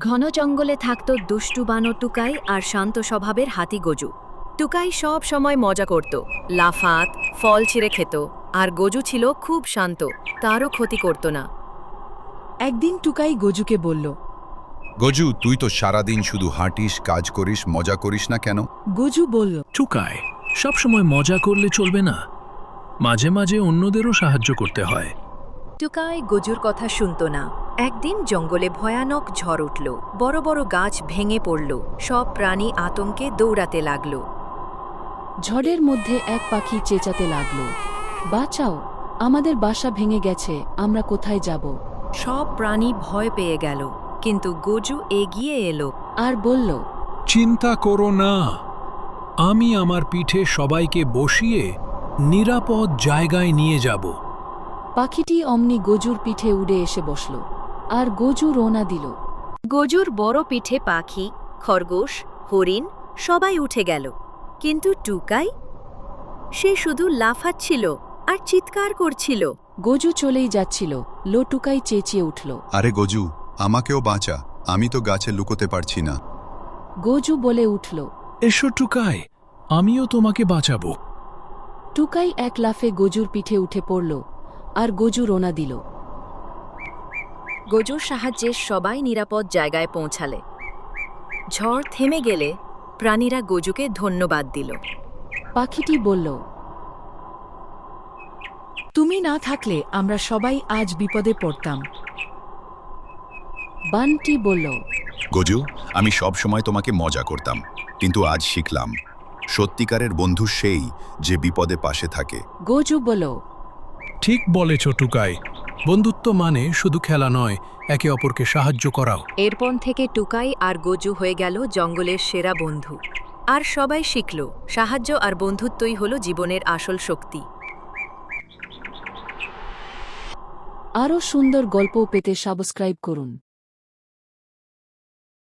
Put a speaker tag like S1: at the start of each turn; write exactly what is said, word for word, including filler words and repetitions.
S1: ঘন জঙ্গলে থাকত দুষ্টু বানর টুকাই আর শান্ত স্বভাবের হাতি গজু। টুকাই সব সময় মজা করত, লাফাত, ফল ছিঁড়ে খেত, আর গজু ছিল খুব শান্ত, তারও ক্ষতি করত না।
S2: একদিন টুকাই গজুকে বলল,
S3: গজু, তুই তো সারাদিন শুধু হাঁটিস, কাজ করিস, মজা করিস না কেন?
S2: গজু বলল,
S4: টুকাই, সবসময় মজা করলে চলবে না, মাঝে মাঝে অন্যদেরও সাহায্য করতে হয়।
S1: টুকাই গজুর কথা শুনত না। একদিন জঙ্গলে ভয়ানক ঝড় উঠল, বড় বড় গাছ ভেঙে পড়ল, সব প্রাণী আতঙ্কে দৌড়াতে লাগল।
S2: ঝড়ের মধ্যে এক পাখি চেঁচাতে লাগল, বাঁচাও, আমাদের বাসা ভেঙে গেছে, আমরা কোথায় যাব?
S1: সব প্রাণী ভয় পেয়ে গেল, কিন্তু গজু এগিয়ে এলো
S2: আর বলল,
S4: চিন্তা করো না, আমি আমার পিঠে সবাইকে বসিয়ে নিরাপদ জায়গায় নিয়ে যাব।
S2: পাখিটি অমনি গজুর পিঠে উড়ে এসে বসল, আর গজু রওনা দিল।
S1: গজুর বড় পিঠে পাখি, খরগোশ, হরিণ সবাই উঠে গেল, কিন্তু টুকাই, সে শুধু লাফাচ্ছিল আর চিৎকার করছিল।
S2: গজু চলেই যাচ্ছিল, লো টুকাই চেঁচিয়ে উঠল,
S3: আরে গজু, আমাকেও বাঁচা, আমি তো গাছে লুকোতে পারছি না।
S2: গজু বলে উঠল।
S4: এসো টুকাই, আমিও তোমাকে বাঁচাবো।
S2: টুকাই এক লাফে গজুর পিঠে উঠে পড়ল, আর গজু রওনা দিল।
S1: গজুর সাহায্যে সবাই নিরাপদ জায়গায় পৌঁছালে। ঝড় থেমে গেলে প্রাণীরা গজুকে ধন্যবাদ দিল।
S2: পাখিটি বলল, তুমি না থাকলে আমরা সবাই আজ বিপদে পড়তাম। বানটি বলল,
S3: গজু, আমি সব সময় তোমাকে মজা করতাম, কিন্তু আজ শিখলাম সত্যিকারের বন্ধু সেই যে বিপদে পাশে থাকে।
S2: গজু বলল,
S4: ঠিক বলেছ টুকাই, বন্ধুত্ব মানে শুধু খেলা নয়, একে অপরকে সাহায্য করাও।
S1: এরপর থেকে টুকাই আর গজু হয়ে গেল জঙ্গলের সেরা বন্ধু। আর সবাই শিখল, সাহায্য আর বন্ধুত্বই হলো জীবনের আসল শক্তি।
S2: আরও সুন্দর গল্প পেতে সাবস্ক্রাইব করুন।